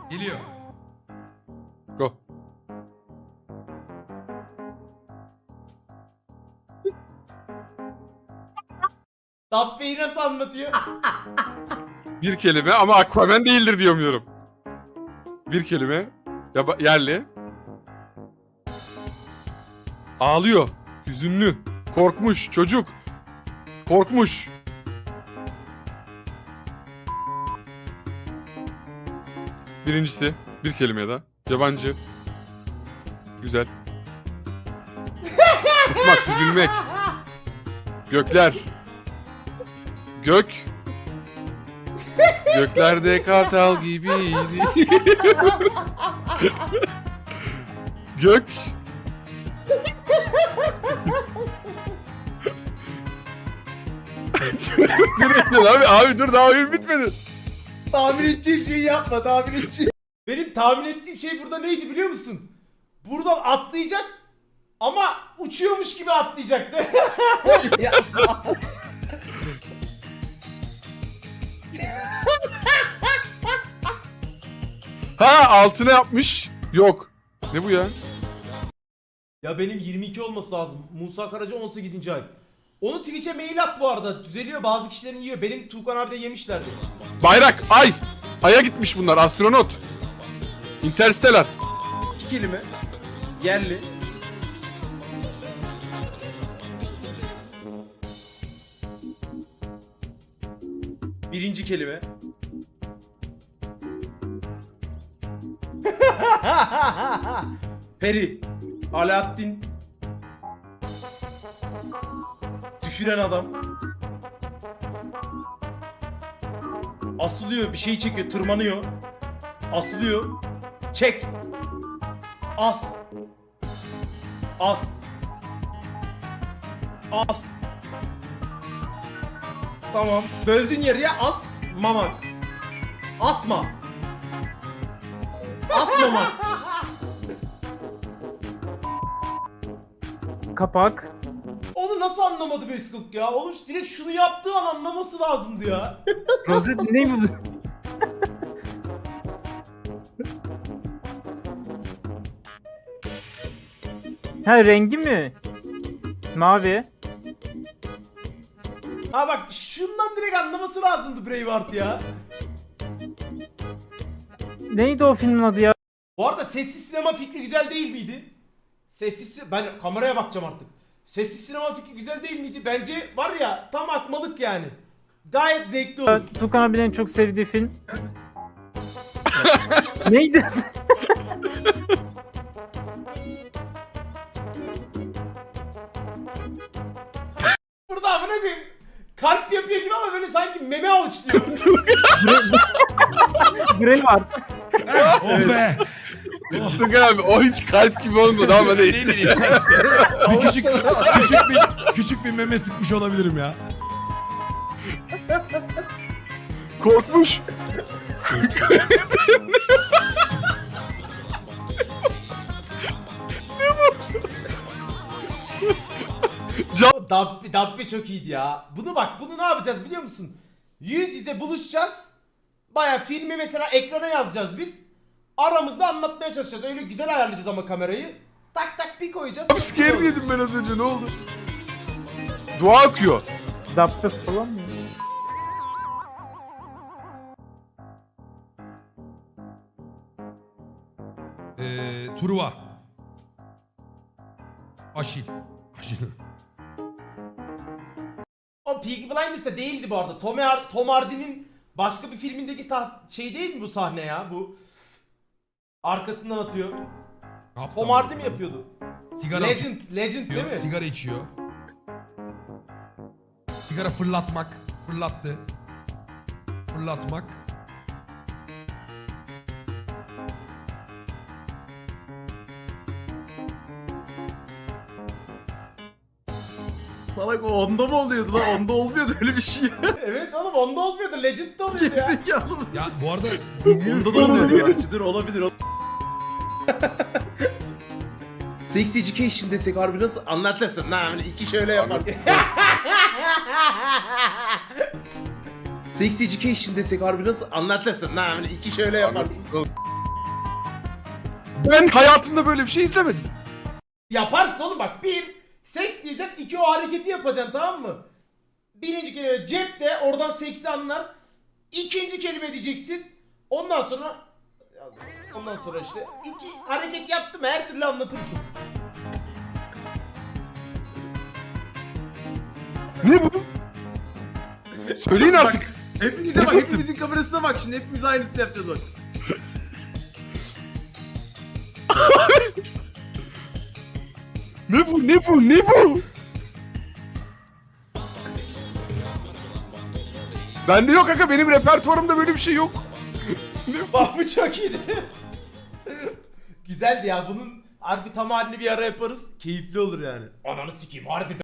Geliyor. Go. Dabbe'yi nasıl anlatıyor? Bir kelime ama Aquaman değildir diyemiyorum. Bir kelime. Yerli. Ağlıyor. Hüzünlü. Korkmuş. Çocuk. Korkmuş. Birincisi. Bir kelime daha. Yabancı. Güzel. Uçmak, süzülmek. Gökler. Gök. Göklerde kartal gibiydi. Gök. abi dur daha oyun bitmedi. Tahmin edeceğim şeyi yapma, tahmin edeceğim. Benim tahmin ettiğim şey burada neydi biliyor musun? Buradan atlayacak ama uçuyormuş gibi atlayacaktı. Ha altına yapmış. Yok. Ne bu ya? Ya benim 22 olması lazım. Musa Karaca 18. ay. Onu Twitch'e mail at bu arada. Düzeliyor, bazı kişilerin yiyor. Benim Tuğkan abi de yemişlerdi. Bayrak. Ay. Ay'a gitmiş bunlar. Astronot. Interstellar. 2 kelime. Yerli. Birinci kelime. Peri. Alaaddin. Düşüren adam. Asılıyor, bir şey çekiyor, tırmanıyor. Asılıyor. Çek. As. As. As. Tamam. Böldün yarıya as mamak. Asma. Asmamak. Kapak. Onu nasıl anlamadı Beskok ya? Oğlum direkt şunu yaptığı an anlaması lazımdı ya. Rozet ne bu? Ha rengi mi? Mavi. Ha bak şundan direkt anlaması lazımdı Braveheart ya. Neydi o filmin adı ya? Bu arada sessiz sinema fikri güzel değil miydi? Ben kameraya bakacağım artık. Sessiz sinema fikri güzel değil miydi? Bence var ya tam akmalık yani. Gayet zevkli olur. Tukan abinin en çok sevdiği film. Neydi? Burada amına koyayım. Kalp yapıyor gibi ama böyle sanki meme avuçluyor. Braveheart. Oh be. Tukan abi o hiç kalp gibi olmadı ama ne etti. Bir küçük bir meme sıkmış olabilirim ya. Korkmuş. Dabbe çok iyiydi ya. Bunu ne yapacağız biliyor musun? Yüz yüze buluşacağız. Baya filmi mesela ekrana yazacağız biz. Aramızda anlatmaya çalışacağız. Öyle güzel ayarlayacağız ama kamerayı. Tak tak bir koyacağız. Abi scare yedim ben az önce ne oldu? Dua akıyor. Dabbe falan mı? Truva. Aşil. Aşil. O Peaky Blinders'ta değildi bu arada. Tom Hardy'nin başka bir filmindeki şey değil mi bu sahne ya? Bu arkasından atıyor. Tom Hardy mi yapıyordu? Sigara Legend değil mi? Sigara içiyor. Sigara fırlatmak. Fırlattı. Fırlatmak. Salak o onda mı oluyordu lan? Onda olmuyordu öyle bir şey. Evet oğlum onda olmuyordu. Legend'de oluyordu ya. Zekalı mı? Ya bu arada Onda da olmuyordu gerçi. Dur olabilir. Sex Education desek harbi nasıl anlatırsın lan hani iki şöyle yaparsın. Sex Education desek harbi nasıl anlatırsın lan hani iki şöyle yaparsın. Ben hayatımda böyle bir şey izlemedim. Yaparsın oğlum bak. Bir, seks diyeceksin. İki, o hareketi yapacaksın, tamam mı? Birinci kelime cepte, oradan seksi anlar. İkinci kelime diyeceksin. Ondan sonra işte iki hareket yaptım, her türlü anlatırsın. Ne bu? Söyleyin artık. Hepinize bak, hepimizin kamerasına bak şimdi, hepimiz aynısını yapacağız bak. Ne bu? Ne bu? Ne bu? Bende yok kanka, benim repertuarımda böyle bir şey yok. Bak bu çok iyiydi. Güzeldi ya, bunun harbi tam halini bir ara yaparız. Keyifli olur yani. Ananı sikeyim harbi.